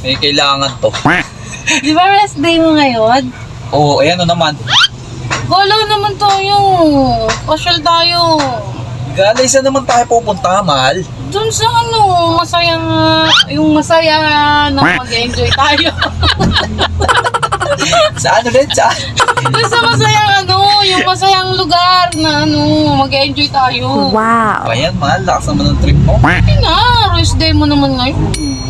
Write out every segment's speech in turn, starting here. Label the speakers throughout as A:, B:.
A: Eh, kailangan to.
B: Di ba rest day mo ngayon?
A: Oo, ayan o naman.
B: Galaw naman tayo. Pasyal tayo.
A: Galay, saan naman tayo pupunta, mahal?
B: Doon sa masayang, yung masaya na mag-enjoy tayo.
A: Saan ulit? Saan?
B: Doon sa masayang yung masayang lugar na mag-enjoy tayo.
C: Wow.
A: Ayan, mahal. Lakas naman ng trip mo.
B: Ay na, rest day mo naman ngayon.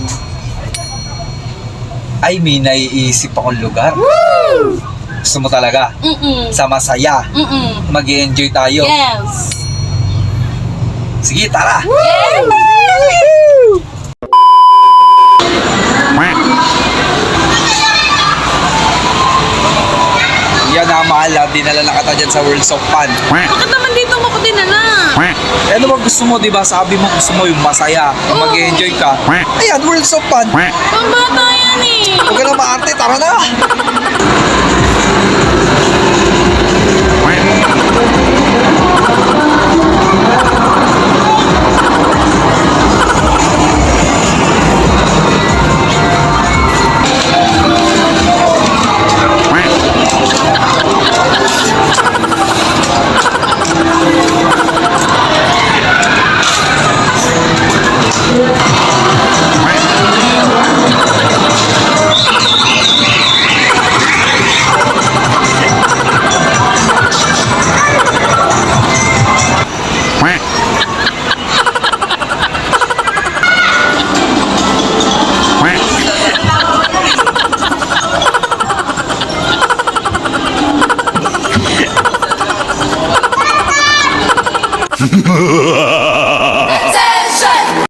A: Ay, may naiisip akong lugar. Gusto mo talaga? Sa masaya. Mag-i-enjoy tayo.
B: Yes.
A: Sige, tara! Yan na, mahal. Dinala na kita dyan sa World of Fun.
B: Bakit naman dito mo ko dinala?
A: Eh, ano ba gusto mo, di ba? Sabi mo gusto mo yung masaya. Mag-i-enjoy ka. Ayan, World of Fun.
B: Pambata yan eh.
A: Huwag ka na maarte. Tara na!